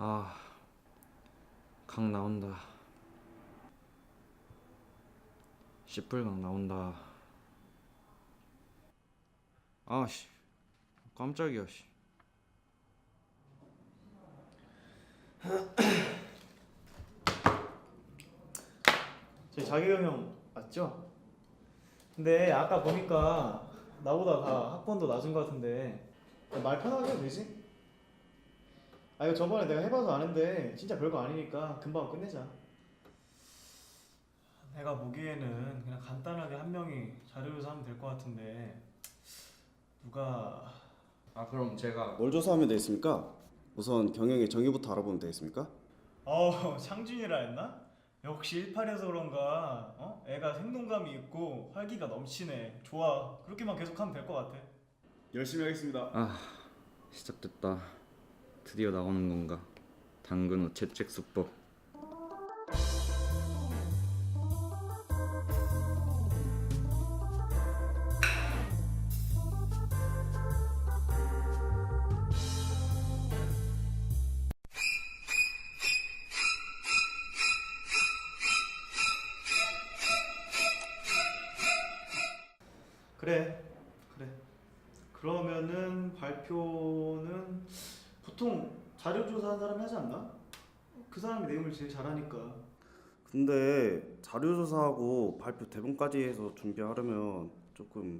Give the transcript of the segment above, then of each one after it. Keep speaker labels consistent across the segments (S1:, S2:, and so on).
S1: 아, 강 나온다. 씨뿔강 나온다. 아씨, 깜짝이야. 씨.
S2: 저희 자기경영 맞죠? 근데 아까 보니까 나보다 다 학번도 낮은 것 같은데 말 편하게 해도 되지? 아 이거 저번에 내가 해봐서 아는데 진짜 별거 아니니까 금방 끝내자. 내가 보기에는 그냥 간단하게 한 명이 자료조사 하면 될 것 같은데 누가
S1: 그럼 제가
S3: 뭘 조사하면 되겠습니까? 우선 경영의 정의부터 알아보면 되겠습니까?
S2: 창준이라 했나? 역시 18이어서 그런가 애가 생동감이 있고 활기가 넘치네. 좋아, 그렇게만 계속하면 될 것 같아.
S3: 열심히 하겠습니다.
S1: 시작됐다. 드디어 나오는 건가? 당근 후 채찍 수법.
S2: 그래. 그러면은 발표는 보통 자료 조사한 사람이 하지 않나? 그 사람이 내용을 제일 잘하니까.
S3: 근데 자료 조사하고 발표 대본까지 해서 준비하려면 조금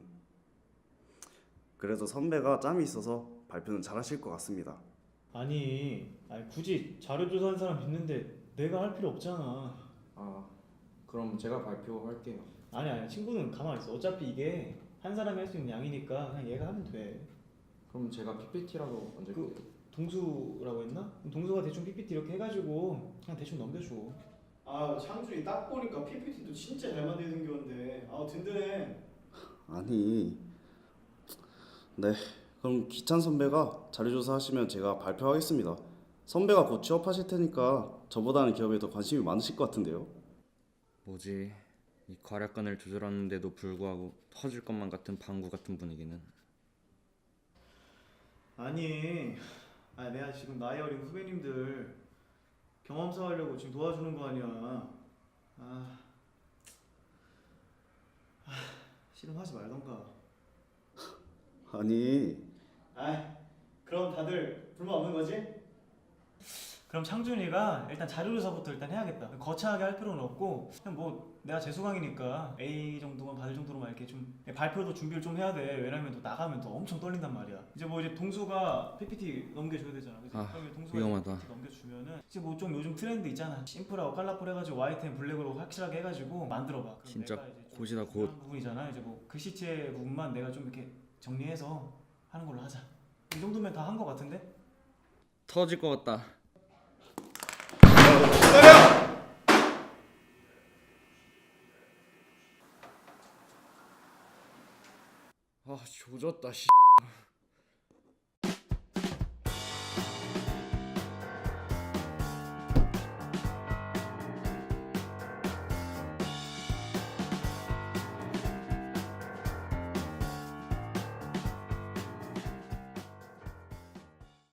S3: 그래도 선배가 짬이 있어서 발표는 잘하실 것 같습니다.
S2: 아니 굳이 자료 조사한 사람 있는데 내가 할 필요 없잖아.
S1: 그럼 제가 발표할게요.
S2: 아니 친구는 가만히 있어. 어차피 이게 한 사람이 할 수 있는 양이니까 그냥 얘가 하면 돼.
S1: 그럼 제가 PPT라도 먼저
S2: 동수라고 했나? 동수가 대충 PPT 이렇게 해가지고 그냥 대충 넘겨줘. 창준이 딱 보니까 PPT도 진짜 잘 만들게 생겼는데 든든해.
S3: 아니, 네, 그럼 기찬 선배가 자료 조사하시면 제가 발표하겠습니다. 선배가 곧 취업하실 테니까 저보다는 기업에 더 관심이 많으실 것 같은데요.
S1: 뭐지? 이 과략근을 조절하는데도 불구하고 터질 것만 같은 방구 같은 분위기는.
S2: 아니 내가 지금 나이 어린 후배님들 경험 쌓으려고 지금 도와주는 거 아니야. 싫으면 하지 말던가.
S3: 아니,
S2: 그럼 다들 불만 없는 거지? 그럼 창준이가 일단 자료조사부터 일단 해야겠다. 거창하게 할 필요는 없고 그냥 뭐 내가 재수강이니까 A 정도만 받을 정도로만 이렇게 좀 발표도 준비를 좀 해야 돼. 왜냐면 또 나가면 또 엄청 떨린단 말이야. 이제 동수가 PPT 넘겨줘야 되잖아. 그치? 그러면 동수가
S1: 위험하다.
S2: PPT 넘겨주면은 이제 뭐 좀 요즘 트렌드 있잖아. 심플하고 컬러풀 해가지고 화이트앤 블랙으로 확실하게 해가지고 만들어봐. 그럼
S1: 진짜
S2: 내가 이제 좀
S1: 곧이다, 곧.
S2: 중요한 부분이잖아. 이제 뭐 글씨체 부분만 내가 좀 이렇게 정리해서 하는 걸로 하자. 이 정도면 다 한 거 같은데?
S1: 터질 것 같다. 조졌다. 씨.